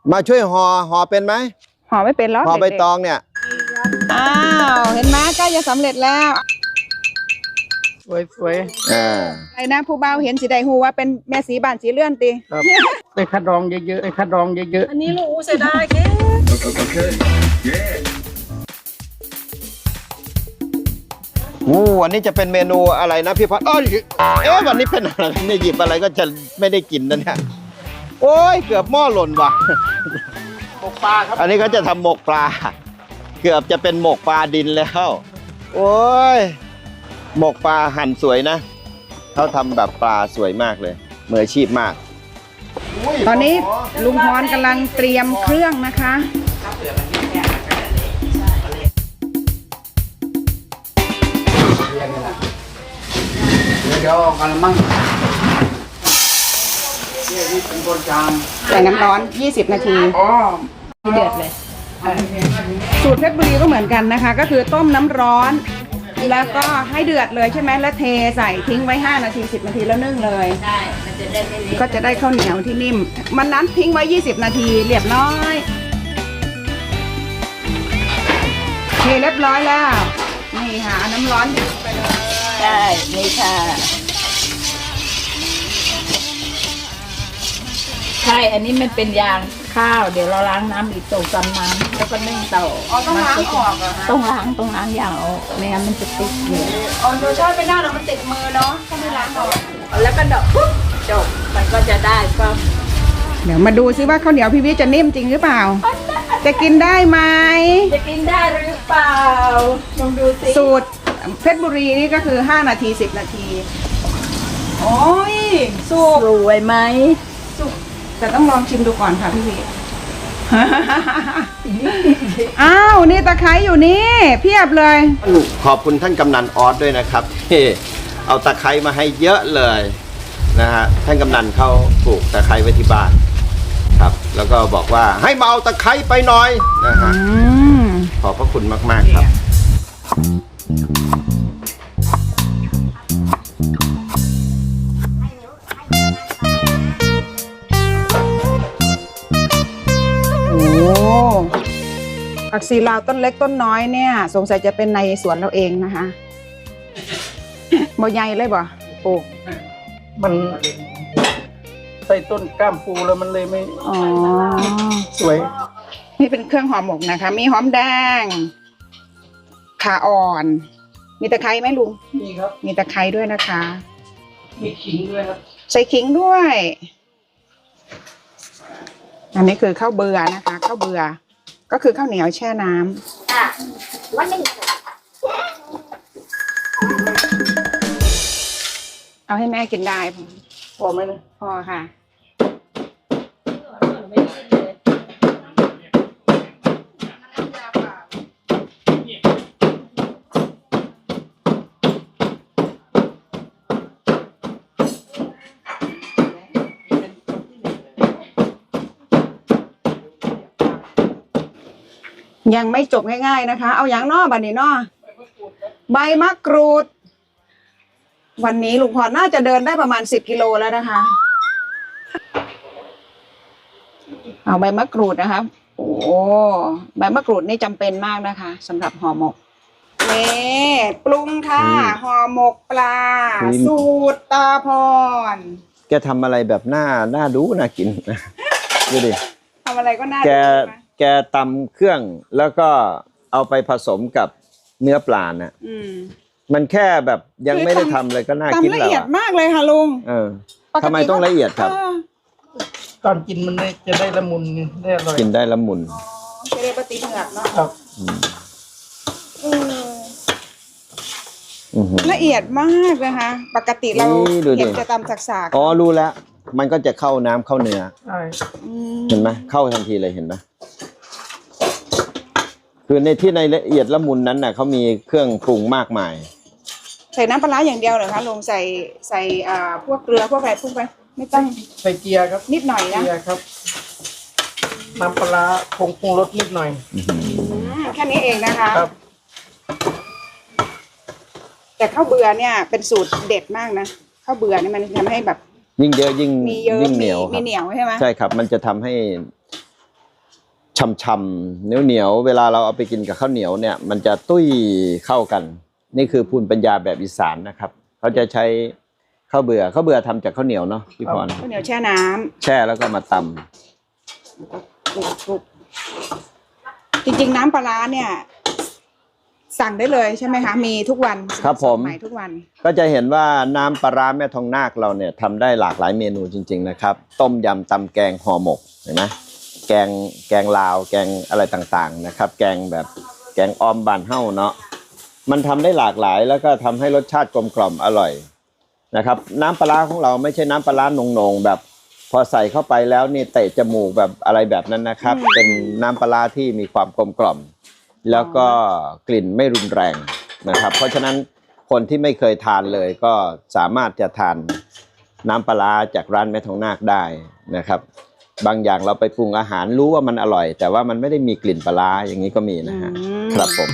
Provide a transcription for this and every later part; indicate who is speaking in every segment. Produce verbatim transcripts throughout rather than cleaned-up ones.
Speaker 1: มาช่วยห่อห่อเป็นไหม
Speaker 2: ห่อไม่เป็นแล้ว
Speaker 1: ห่อใบตองเนี่ย
Speaker 2: อ้าวเห็นไหมใกล้จะสำเร็จแล้ว
Speaker 3: สวยสวย
Speaker 1: อ่า
Speaker 2: ไอ้นะผู้เบาเห็นสีใดหูว่าเป็นแม่สีบ้านสีเลื่อนตี
Speaker 3: ครับไอ้คัดรองเยอะๆไอ้คัดรองเยอะๆ
Speaker 2: อันนี้ลูกเสียดายแค่
Speaker 1: โอ้วันนี้จะเป็นเมนูอะไรนะพี่พัดเอ้ยเอ๊ะวันนี้เป็นอะไรเนี่ยหยิบอะไรก็จะไม่ได้กินนะเนี่ยโอ้ยเกือบหม้อหล่นว่ะ
Speaker 3: หมกปลาครับ
Speaker 1: อันนี้เขาจะทำหมกปลาเกือบจะเป็นหมกปลาดินแล้วโอ้ยหมกปลาหั่นสวยนะเขาทำแบบปลาสวยมากเลยมืออาชีพมาก
Speaker 2: ตอนนี้ลุงพรกำลังเตรียมเครื่องนะคะ
Speaker 3: เดี๋ยวกันละมั่งนี่นี่เป็นบนจาน
Speaker 2: ใส่น้ำร้อนยี่สิบนาที
Speaker 3: อ๋อ
Speaker 2: เดือดเลยสูตรเพชรบุรีก็เหมือนกันนะคะก็คือต้มน้ำร้อนแล้วก็ให้เดือดเลยใช่ไหมแล้วเทใส่ทิ้งไว้ห้านาทีสิบนาทีแล้วนึ่งเลย
Speaker 4: ใช่มันจะได้ไม่เละ
Speaker 2: ก็จะได้ข้าวเหนียวที่นิ่มมันนั้นทิ้งไว้ยี่สิบนาทีเรียบร้อยเทเรียบร้อยแล้วนี่ค่ะน้ำร้อนไปเลย
Speaker 4: ใช่นี่ค่ะใช่อันนี้มันเป็นยางข้าวเดี๋ยวเราล้างน้ำอีกตกจำน้ำแล้วก็นึ่งต่อ
Speaker 2: อ๋อต้องล้างออกเหรอ
Speaker 4: ต้องล้างต้องล้างอย่างออกไม่งั้นมันจะติดอยู่
Speaker 2: อ๋อโดยชอบไม่ได้หรอกมันติดมือเนาะถ้าไม่ล้างออก
Speaker 4: แล้วก็ดอกปุ๊บจบมันก็จะได้ก็
Speaker 2: เดี๋ยวมาดูซิว่าข้าวเหนียวพี่วิจะนิ่มจริงหรือเปล่าจะกินได้ไหม
Speaker 4: จะกินได้หรือเปล่าลองดูสิ
Speaker 2: สูตรเพชรบุรีนี่ก็คือห้านาทีสิบนาทีโอ้ยสุก
Speaker 4: สวยไหม
Speaker 2: สุกแต่ต้องลองชิมดูก่อนค่ะพี่วิอ้าวนี่ตะไคร้อยู่นี่เพียบเลย
Speaker 1: ขอบคุณท่านกำนันออสด้วยนะครับที่เอาตะไคร้มาให้เยอะเลยนะฮะท่านกำนันเขาปลูกตะไคร้ไว้ที่บ้านครับแล้วก็บอกว่าให้มาเอาตะไคร้ไปหน่อยนะฮะขอบพระคุณมากๆครับ
Speaker 2: ผักชีลาวต้นเล็กต้นน้อยเนี่ยสงสัยจะเป็นในสวนเราเองนะคะบ่ใหญ่เลยบ่ปลูก
Speaker 3: มันใส่ต้นก้ามปูแล้วมันเลยไม่
Speaker 2: อ๋อ
Speaker 3: สวย
Speaker 2: นี่เป็นเครื่องหอมหมกนะคะมีหอมแดงข่าอ่อนมีตะไคร้ไหมลุง
Speaker 3: มีครับ
Speaker 2: มีตะไคร้ด้วยนะคะ
Speaker 3: มีขิงด้วยครับ
Speaker 2: ใส่ขิงด้วยอันนี้คือข้าวเบื่อนะคะข้าวเบื่อก็คือข้าวเหนียวแช่น้ำอ่ะวันนึงเอาให้แม่กินได้
Speaker 3: พอไหมนะ
Speaker 2: พอค่ะยังไม่จบง่ายๆนะคะเอาอย่างนอบันนี้นอใบมะกรูดวันนี้ลุงพรน่าจะเดินได้ประมาณสิบกิโลแล้วนะคะเอาใบมะกรูดนะคะโอ้ใบมะกรูดนี่จำเป็นมากนะคะสำหรับห่อหมกนี่ปรุงค่ะห่อหมกปลาสูตรตาพร
Speaker 1: แกทำอะไรแบบน่าน่าดูน่ากินดูดิ
Speaker 2: ทำอะไรก็น่าดู
Speaker 1: แกตำเครื่องแล้วก็เอาไปผสมกับเนื้อปลาน่ะมันแค่แบบยังไม่ได้ทำเลยก็น่ากินแล้ว
Speaker 2: ละเอียดมากเลยค่ะลุง
Speaker 1: เออทำไมต้องละเอียดครับ
Speaker 3: ตอนกินมันจะได้ละมุนได้อร่อย
Speaker 1: กินได้ละมุน
Speaker 2: จะได้ปฏิเหงือกเนาะ
Speaker 3: ครับ
Speaker 2: ละเอียดมากนะคะปกติเราเห็นจะตำสักๆ
Speaker 1: อ๋อรู้แล้วมันก็จะเข้าน้ำเข้าเนื้อ
Speaker 3: ใช่
Speaker 1: เห็นไหมเข้าทันทีเลยเห็นไหมคือในที่ในละเอียดละมุนนั้นน่ะเขามีเครื่องปรุงมากมาย
Speaker 2: ใส่น้ำปลาอย่างเดียวเหรอคะลงใส่ใส่อ่าพวกเกลือพวกอะไรพวกไปไม่ต้อง
Speaker 3: ใส่เกียร์ครับ
Speaker 2: นิดหน่อยนะ
Speaker 3: เกียร์ครับน้ำปลาผงปรุงรสนิดหน่อย
Speaker 2: แค่นี้เองนะคะครับแต่ข้าวเบื่อเนี่ยเป็นสูตรเด็ดมากนะข้าวเบื่อเนี่ยมันทำให้แบบ
Speaker 1: ยิ่งเยอะยิ่งยิ่งเหนียว
Speaker 2: มีเหนียวใช่ไหม
Speaker 1: ใช่ครับมันจะทำให้ช่ำๆเหนียวๆเวลาเราเอาไปกินกับข้าวเหนียวเนี่ยมันจะตุ้ยเข้ากัน นี่คือภูมิปัญญาแบบอีสานนะครับเขาจะใช้ข้าวเบื่อข้าวเบื่อทำจากข้าวเหนียวเนาะพี่พร
Speaker 2: ข้าวเหนียวแช่น้ำ
Speaker 1: แช่แล้วก็มาตำ
Speaker 2: คลุกๆจริงๆน้ำปลาร้าเนี่ย สั่งได้เลยใช่ไหมคะมีทุกวัน
Speaker 1: ครับผม
Speaker 2: สดใหม่ทุกวัน
Speaker 1: ก็จะเห็นว่าน้ำปลาร้าแม่ทองนาคเราเนี่ยทำได้หลากหลายเมนูจริงๆนะครับต้มยำตำแกงห่อหมกเห็นไหมแกงแกงลาวแกงอะไรต่างๆนะครับแกงแบบแกงออมบานเฮ้าเนาะมันทำได้หลากหลายแล้วก็ทำให้รสชาติกลมกล่อมอร่อยนะครับน้ำปลาร้าของเราไม่ใช่น้ำปลาร้าหนงๆแบบพอใส่เข้าไปแล้วนี่เตะจมูกแบบอะไรแบบนั้นนะครับเป็นน้ำปลาร้าที่มีความกลมกล่อมแล้วก็กลิ่นไม่รุนแรงนะครับเพราะฉะนั้นคนที่ไม่เคยทานเลยก็สามารถจะทานน้ำปลาร้าจากร้านแม่ทองนาคได้นะครับบางอย่างเราไปปรุงอาหารรู้ว่ามันอร่อยแต่ว่ามันไม่ได้มีกลิ่นปลาร้าอย่างนี้ก็มีนะฮะ
Speaker 2: อืม
Speaker 1: ครับผม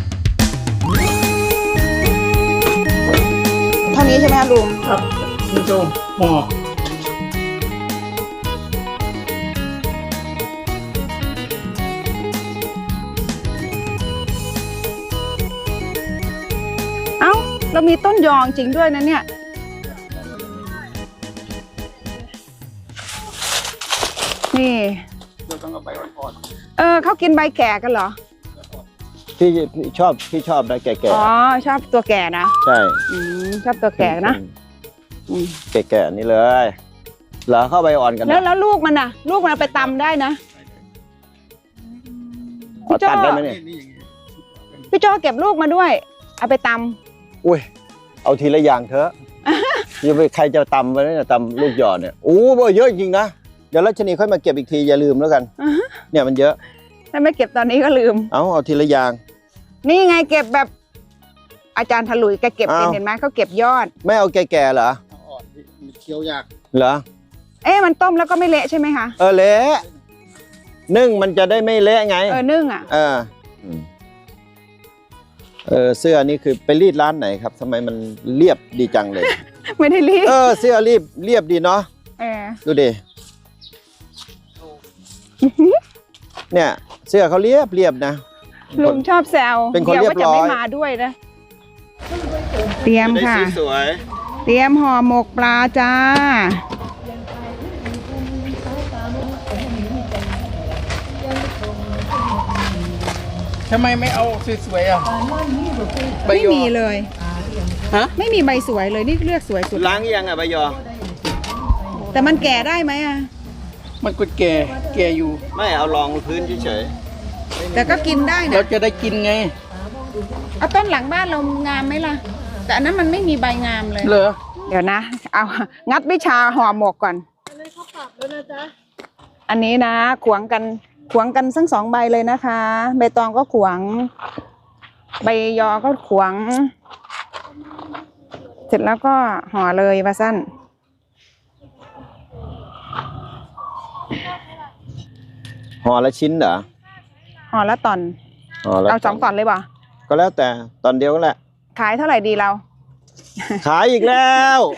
Speaker 2: เท่านี้ใช่ไหมคะลุง
Speaker 3: ครับคุณโจมหม้อ
Speaker 2: เอ้าเรามีต้นยองจริงด้วยนะเนี่ยนี่
Speaker 3: เราต้องเอาไปอ่อน
Speaker 2: เออเขากินใบแก่กันเหรอ
Speaker 1: พี่พี่ชอบพี่ชอบนะแก่
Speaker 2: อ๋อชอบตัวแก่นะ
Speaker 1: ๆใช่
Speaker 2: อืมชอบตัวแก่นะอืม
Speaker 1: แก่ๆนี่เลยเหรอเข้าใบอ่อนกันนะ
Speaker 2: แล้วแล้วลูกมันน่ะ ลูกมันเอาไปตำได้นะ
Speaker 1: อ๋อตัดได้ไหมเนี่ย
Speaker 3: ๆนี่อย่างนี้
Speaker 2: พี่โจเก็บลูกมาด้วย เอาไปต
Speaker 1: อุ้ยเอาทีละอย่างเถอะ ยังไปใครจะตำไปเนี่ยตำลูกหยอดเนี่ยโอ้โหเยอะจริงๆนะเดี๋ยวรัชนีค่อยมาเก็บอีกทีอย่าลืมแล้วกัน
Speaker 2: ำ
Speaker 1: เนี่ยมันเยอะ
Speaker 2: ถ้าไม่เก็บตอนนี้ก็ลืม
Speaker 1: เอาเอาทีละอย่าง
Speaker 2: นี่ไงเก็บแบบ อาจารย์ถลุยแกเก็บเป็น
Speaker 1: อ้าว
Speaker 2: เห็นไหมเขาเก็บยอด
Speaker 1: ไม่เอาแก่ๆเหรอ
Speaker 3: เอาอ่อนที่มันเคี้ยวยาก
Speaker 1: เหรอ
Speaker 2: เอ๊ะมันต้มแล้วก็ไม่เละใช่ไหมคะ
Speaker 1: เออเละนึ่งมันจะได้ไม่เละไง
Speaker 2: เออนึ่งอ่ะ
Speaker 1: เอออืมเออเสื้อนี่คือไปรีดร้านไหนครับทำไมมันเรียบดีจังเลย
Speaker 2: ไม่ได้รีบ
Speaker 1: เออเสื้อรีบเรียบดีเนาะ
Speaker 2: เออ
Speaker 1: ดูดิเนี่ยเสื้อเขาเรียบเรียบนะ
Speaker 2: ลุงชอบแซว
Speaker 1: เป็นคนเรียบร้อย
Speaker 2: ดี๋วว่าจะไม่มาด้วยนะ เตรียมค่ะ
Speaker 1: สวย
Speaker 2: เตรียมห่อหมกปลาจ้า
Speaker 3: ทำไมไม่เอาสวยๆอ่ะใบ
Speaker 2: ไม่
Speaker 3: ยอ
Speaker 2: มีเลย
Speaker 3: ฮะ
Speaker 2: ไม่มีใบสวยเลยนี่เลือกสวยสุด
Speaker 1: ล้างยังอ่ะใบยอ
Speaker 2: แต่มันแก่ได้ไหมอ่ะ
Speaker 3: มันก็แก่แก่อยู่
Speaker 1: ไม่เอารองพื้นเฉย
Speaker 2: แต่ก็กินได้
Speaker 3: เรา
Speaker 2: นะ
Speaker 3: จะได้กินไง
Speaker 2: เอาต้นหลังบ้านเรางามไหมล่ะ แต่อันนั้นมันไม่มีใบงามเลย
Speaker 3: เหรอ
Speaker 2: เดี๋ยวนะ เอางัดวิชาห่อหมกก่อน อันนี้นะ ขวางกัน ขวางกันทั้งสองใบเลยนะคะ ใบตองก็ขวาง ใบยอก็ขวาง เสร็จแล้วก็ห่อเลยว่าสั้น
Speaker 1: ๆห่อละชิ้นเหรอ
Speaker 2: ห่อละตอน
Speaker 1: ห่อละ
Speaker 2: เอาสองตอนเลยป่ะ
Speaker 1: ก็แล้วแต่ตอนเดียวก็แหละ
Speaker 2: ขายเท่าไหร่ดีเรา
Speaker 1: ขายอีกแล้ว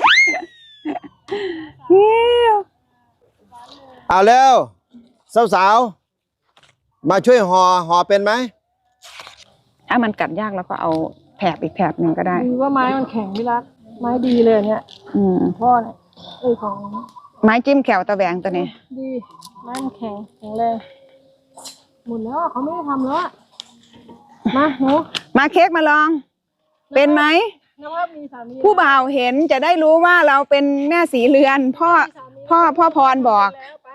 Speaker 1: เอาเร็วสาวๆมาช่วยห่อห่อเป็นไหม
Speaker 2: ถ้ามันกัดยากเราก็เอาแถบอีกแถบหนึ่งก็ได้
Speaker 5: ดีว่าไม้มันแข็งพี่รัก ไม้ดีเลยเนี่ย
Speaker 2: อืม
Speaker 5: พ่อเนี่ยเอ้ยของ
Speaker 2: ไม้จิ้มแขวตะแหวงตัวนี้
Speaker 5: ดี ไม้มันแข็งแข็งแรงหมดแล้วอะเขาไม่ได้ทำแล้วอะมาหนู
Speaker 2: มาเค้กมาลอง เป็นไหม
Speaker 5: นภาพมีสามี
Speaker 2: ผู้บ่าวเห็นจะได้รู้ว่าเราเป็นแม่สีเรือน พ่อ พ่อพ่อพรบอก
Speaker 5: แล้วไป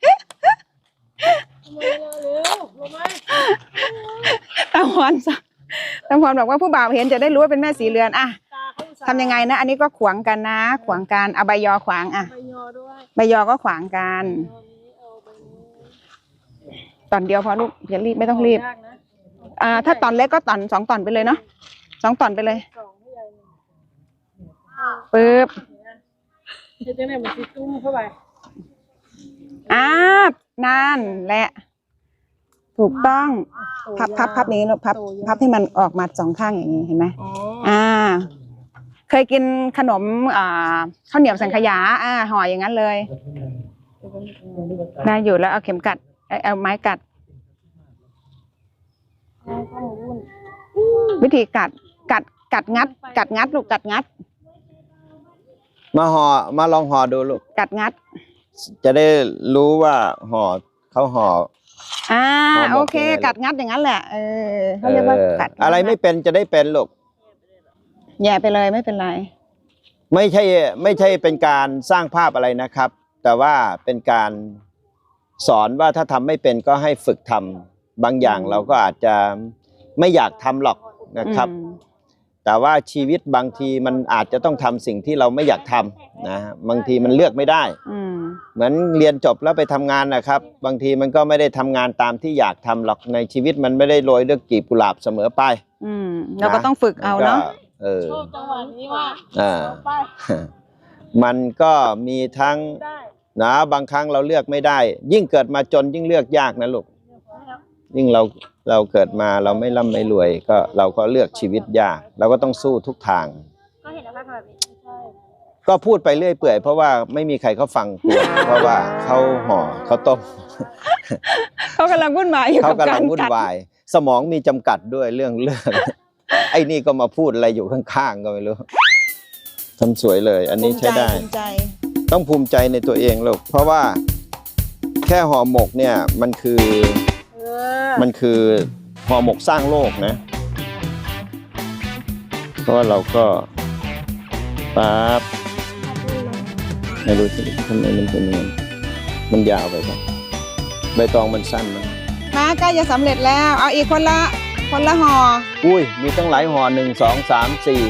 Speaker 5: ทำไมล่ะเร็วลงมา
Speaker 2: ตาพรสตาพรบอกว่าผู้บ่าวเห็นจะได้รู้ว่าเป็นแม่สีเรือนอะ
Speaker 5: ตาเขาอุตส่าห์
Speaker 2: ทำยังไงนะ อันนี้ก็ขวางกันนะ ขวางกันเอาใบยอขวางอะ
Speaker 5: ใบยอด้วย
Speaker 2: ใบยอก็ขวางกัน
Speaker 5: ตอนนี้เอาใบนี้
Speaker 2: ตอนเดียวพอลูกอย่ารีบไม่ต้องรีบ
Speaker 5: ยากนะ
Speaker 2: อ่าถ้าตอนเล็กก็ตอนสองตอนไปเลยเนาะสองตอนไปเลย
Speaker 5: สองที่ใหญ่หนึ่ง
Speaker 2: ปึ๊บ
Speaker 5: เฮ็ดจังได๋มันสิตุ้มเข้าไป
Speaker 2: อ่านั่นแหละ ถูกต้อง พับพับพับอย่างนี้ลูกพับพับให้มันออกมาสองข้างอย่างนี้เห็นไหม
Speaker 5: อ๋อ
Speaker 2: อ่า เคยกินขนมอ่าข้าวเหนียวสังขยา อ่าห่ออย่างนั้นเลย ได้อยู่แล้วเอาเข็มกัดเอาเอาไม้กัด
Speaker 5: อะไรก็หมูวุ่น
Speaker 2: วิธีกัดกัดกัดงัด กัดงัดลูกกัดงัด
Speaker 1: มาห่อมาลองห่อดูลูก
Speaker 2: กัดงัด
Speaker 1: จะได้รู้ว่าห่อเขาห่อ
Speaker 2: อ่า
Speaker 1: ห่อหมก
Speaker 2: โอเค
Speaker 1: ยังไงล่ะ
Speaker 2: กัดงัดอย่างนั้นแหละเออเขาเรียกว่า
Speaker 1: เออ
Speaker 2: กัดงัด
Speaker 1: อะไรไม่เป็นจะได้เป็นลูก
Speaker 2: แย่ไปเลยไม่เป็นไร
Speaker 1: ไม่ใช่ไม่ใช่เป็นการสร้างภาพอะไรนะครับ แต่ว่าเป็นการสอนว่าถ้าทำไม่เป็นก็ให้ฝึกทำบางอย่าง
Speaker 2: อืม
Speaker 1: เราก็อาจจะไม่อยากทำหรอกนะครับ
Speaker 2: อืม
Speaker 1: แต่ว่าชีวิตบางทีมันอาจจะต้องทำสิ่งที่เราไม่อยากทำนะบางทีมันเลือกไม่ได้
Speaker 2: อืม
Speaker 1: เหมือนเรียนจบแล้วไปทำงานนะครับ บางทีมันก็ไม่ได้ทำงานตามที่อยากทำหรอกในชีวิตมันไม่ได้โรยด้วยกลีบกุหลาบเสมอไป
Speaker 2: อืมเราก็ต้องฝึกเอาเนาะ
Speaker 1: ก็เออ
Speaker 5: ชอบจังหวะนี้ว่า
Speaker 1: อ่า
Speaker 5: ไป
Speaker 1: มันก็มีทั้ง
Speaker 5: ได้
Speaker 1: นะบางครั้งเราเลือกไม่ได้ ยิ่งเกิดมาจนยิ่งเลือกยากนะลูกยิ่งเราเราเกิดมาเราไม่ร่ำไม่รวย ก็เราก็เลือกชีวิตยาก เราก็ต้องสู้ทุกทาง
Speaker 5: ก็เห็นแล้วค่ะแบบนี้ใช่
Speaker 1: ก็พูดไปเรื่อยเปื่อยเพราะว่าไม่มีใครเขาฟังกลัวเพราะว่าเขาห่อเขาต้ม
Speaker 2: เขากำลังวุ่นวายอยู่
Speaker 1: เขา
Speaker 2: กับ
Speaker 1: กำ
Speaker 2: กา
Speaker 1: ลั
Speaker 2: รง
Speaker 1: วุ่น
Speaker 2: กัด
Speaker 1: วาย สมองมีจำกัดด้วยเรื่องเรื่อง ไอ้นี่ก็มาพูดอะไรอยู่ข้างๆก็ไม่รู้ทำสวยเลย อันนี้ใช้ได้
Speaker 2: ภูมิใจ
Speaker 1: ต้องภูมิใจในตัวเองลูกเพราะว่าแค่ห่อหมกเนี่ยมันคือ
Speaker 5: เออ
Speaker 1: มันคือห่อหมกสร้างโลกนะ เพราะว่าเราก็ปั๊บไม่รู้สิทำไมมันเป็นอย่างนั้นมันยาวไปครับใบตองมันสั้นนะ
Speaker 2: มาใกล้จะสำเร็จแล้ว เอาอีกคนละคนละห่อ
Speaker 1: อุ้ยมีตั้งหลายห่อหนึ่งสองสามสี่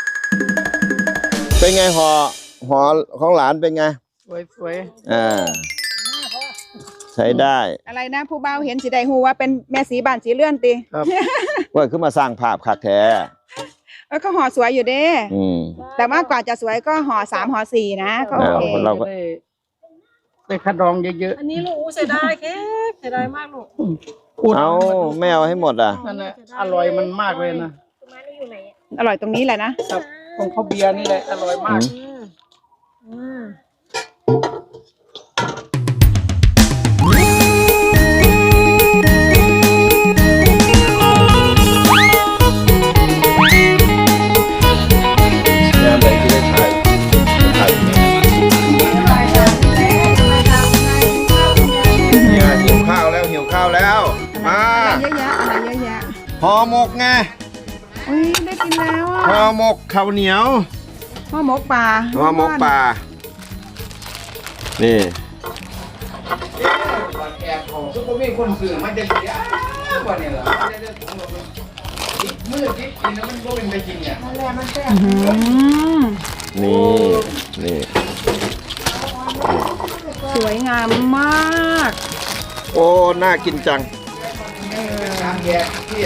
Speaker 1: เป็นไงห่อห่อของหลานเป็นไง
Speaker 3: สวยสวย
Speaker 1: อ่าใช้ได้
Speaker 2: อะไรนะผู้บ่าวเห็นสีใดหูว่าเป็นแม่สีบ้านสีเลื่อนตี
Speaker 3: ครับ
Speaker 1: ว่าขึ้นมาสร้างภาพคักแท้
Speaker 2: เออก็ห่อสวยอยู่เด้
Speaker 1: อืม
Speaker 2: แต่ว่ากว่าจะสวยก็ห่อสามห่อสี่นะก็โอเค
Speaker 1: เราก็
Speaker 3: ได้ได้คัดรองเยอะ
Speaker 5: อันนี้ลูกอู้เสียดายแค่เสียดายมากลูก
Speaker 3: ๆพูด
Speaker 1: เอาไม่เอาให้หมดอ่ะ
Speaker 3: นั่นแหละอร่อยมันมากเลยนะ
Speaker 5: ต้นไม้นี่อยู่ไหนอ่ะ
Speaker 2: อร่อยตรงนี้แหละนะครับ
Speaker 3: ของข้าวเบียร์นี่แหละอร่อยมาก
Speaker 5: อืมอืม
Speaker 1: งานไหนที่ได้ถ่ายถ่ายเนี่ยหิวข้าวแล้วหิวข้าวแล้วมา
Speaker 2: อะไรเยอะแยะอะไรเยอะแยะ
Speaker 1: ห่อหมกไง
Speaker 2: อุ้ยได้กินแล้วอ่ะ
Speaker 1: ห่อหมกข้าวเหนียว
Speaker 2: ห่อหมกปลา
Speaker 1: ห่อหมกปลานี่
Speaker 3: ซุปเปอร์มีคนสื่อมันจะเสียกว่านี่เหรอมือที่กินแล้วมันก็เป็นไปจริงเนี่ย
Speaker 2: อืม
Speaker 1: นี่นี่
Speaker 2: สวยงามมาก
Speaker 1: โอ้น่ากินจัง
Speaker 3: ทางแยกที่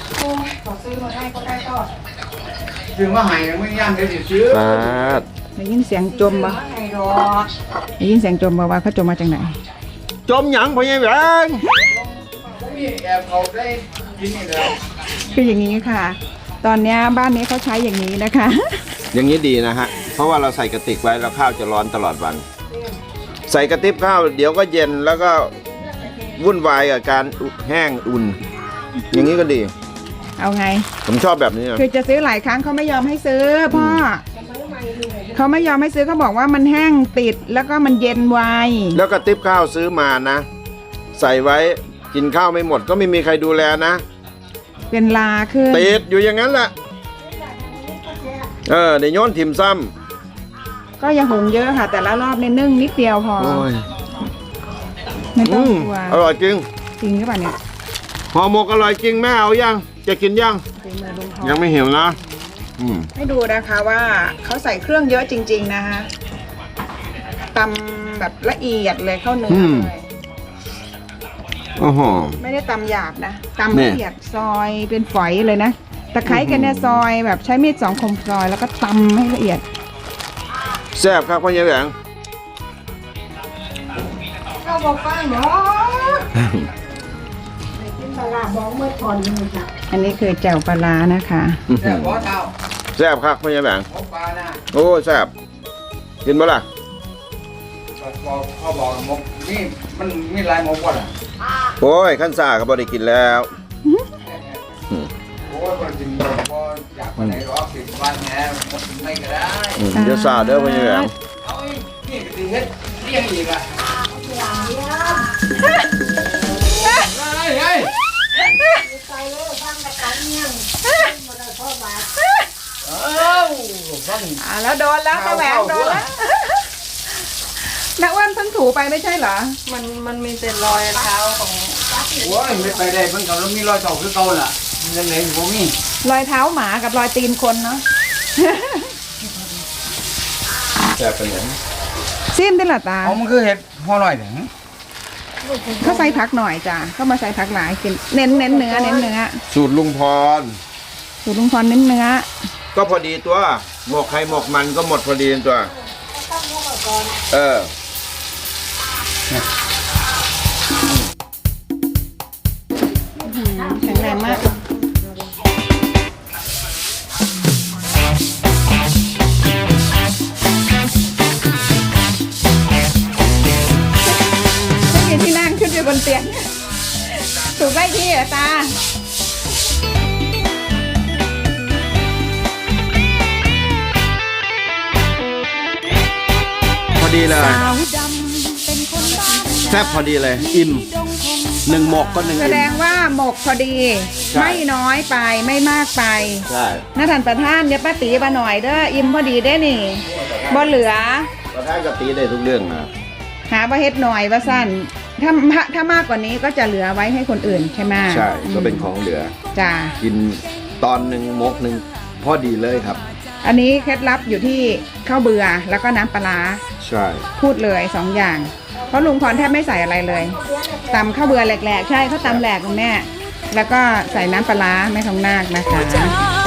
Speaker 3: ซื้อมาให้ไม่ย่างเดี๋ยวสิซื้อ
Speaker 1: ปาด
Speaker 2: ได้ยินเสียงจมปะได้ยินเสียงจมปะว่าเขาจมมาจากไหน
Speaker 1: จมหยังพ่อใหญ่แหวง
Speaker 3: มีแอบเขาได้กินนี่แล้ว
Speaker 2: คืออย่างนี้ค่ะ ตอนเนี้ยบ้านนี้เขาใช้อย่างนี้นะคะ
Speaker 1: อย่างนี้ดีนะฮะ เพราะว่าเราใส่กระติกไว้แล้วข้าวจะร้อนตลอดวัน ใส่กระติบข้าวเดี๋ยวก็เย็นแล้วก็วุ่นวายกับการแห้งอุ่น อย่างนี้ก็ดี
Speaker 2: เอาไง
Speaker 1: ผมชอบแบบนี้นะ
Speaker 2: คือจะซื้อหลายครั้งเขาไม่ยอมให้ซื้อพ่อเขาไม่ยอมให้ซื้อเขาบอกว่ามันแห้งติดแล้วก็มันเย็นไว
Speaker 1: แล้วกระติบข้าวซื้อมานะ ใส่ไว้กินข้าวไม่หมดก็ไม่มีใครดูแลนะ
Speaker 2: เป็นลาขึ้น
Speaker 1: ติดอยู่อย่างนั้นแหละเออในโยนถิ่มซ้
Speaker 2: ก็อย่าหุงเยอะค่ะ แต่ละรอบเนี่ยนึ่งนิดเดียวพอ
Speaker 1: ำโอ้ย
Speaker 2: ไม่ต้
Speaker 1: อื
Speaker 2: อง
Speaker 1: ม
Speaker 2: กลัว
Speaker 1: อร่อยจริง
Speaker 2: จริงหรือเปล่าเนี่ย
Speaker 1: ห่อหมกอร่อยจริงแม่เอายังจะกินยัง
Speaker 2: ฝีมือลุงทอง
Speaker 1: ยังไม่หิวนะอืม
Speaker 2: ให้ดูนะคะว่าเขาใส่เครื่องเยอะจริง ๆนะคะตำแบบละเอียดเลยเข้าเนื้อเลย
Speaker 1: โอ้โห
Speaker 2: ไม่ได้ตำหยาบนะตำละเอียดซอยเป็นฝอยเลยนะตะไคร้กันเนี่ยซอยแบบใช้มีดสองคมซอยแล้วก็ตำให้ละเอียด
Speaker 1: แซ่บครับพ่อใหญ่แหวง
Speaker 2: เราบอกไปเนาะอันนี้คือแจ่วปลาร้านะคะ
Speaker 3: แต่พอเท่า
Speaker 1: แซ่บครับพ่อใหญ่แหวง
Speaker 3: หมกปลานะ
Speaker 1: โอ้แซ่บกินบ่ล่ะ
Speaker 3: บอกเขาบอกหมกนี่มันมีลายหมกก่อนอ่ะ
Speaker 1: โอ้ยขั้นซ่าก็บ่ได้กินแล้วอืมเดี๋ยวซาเด้อพ่อใหญ่แหวง
Speaker 2: อ่าแล้วโดนแล้วตะแหวงโดนแล้วนักอ้วนเพิ่งถูไปไม่ใช่เหรอ
Speaker 4: มันมันมีแต่รอยเท้าของ
Speaker 3: โอ้ยไม่ไปได้เพิ่งกับเรามีรอยเต่าคือเก่าล่ะมันยังไงอยู่บ่มี
Speaker 2: รอยเท้าหมากับรอยตีนคนเนาะ
Speaker 1: แซ่บเป็นหยัง
Speaker 2: ซิมได้หรอตา
Speaker 3: เอามันคือเห็ดห่อหน่อยเด้อ
Speaker 2: เขาใส่ผักหน่อยจ้ะเขามาใส่ผักหลายกินเน้นเน้นเนื้อเน้นเนื้อ
Speaker 1: สูตรลุงพร
Speaker 2: สูตรลุงพรเน้นเนื้อ
Speaker 1: ก็พอดีตัวหมกใครหมกมันก็หมดพอดีตัวเออ
Speaker 2: แข็งแรงมากไม่มีที่นั่งขึ้นอยู่บนเตียงถูกได้ที่เหรอตา
Speaker 1: พอดีเลยแซ่บพอดีเลย อิ่มหนึ่งหมกก็หนึ่ง
Speaker 2: แส
Speaker 1: อิ่
Speaker 2: ด
Speaker 1: ม
Speaker 2: งว่าหมกพอดี
Speaker 1: ใช่
Speaker 2: ไม่น้อยไปไม่มากไป
Speaker 1: ใช่
Speaker 2: น่าทานประทานเดี๋ยวป้าตีมาหน่อยเด้ออิ่มพอดีได้นี่บ่เหลือ
Speaker 1: ประธานกับตีได้ทุกเรื่องนะ
Speaker 2: หาว่าเฮ็ดหน่อยว่าสั้นถ้าถ้ามากกว่านี้ก็จะเหลือไว้ให้คนอื่นใช่ไหม
Speaker 1: ใช่ก็เป็นของเหลือ
Speaker 2: จ้า
Speaker 1: กินตอนหนึ่งมกหนึ่งพอดีเลยครับ
Speaker 2: อันนี้เคล็ดลับอยู่ที่ข้าวเบื่อแล้วก็น้ำปลาร้า
Speaker 1: ใช่
Speaker 2: พูดเลยสองอย่าง เพราะลุงพรแทบไม่ใส่อะไรเลยตำข้าวเบื่อแหลกๆใช่เขาตำแหลกคุณแม่แล้วก็ใส่น้ำปลาร้าแม่ทองนาคนะคะ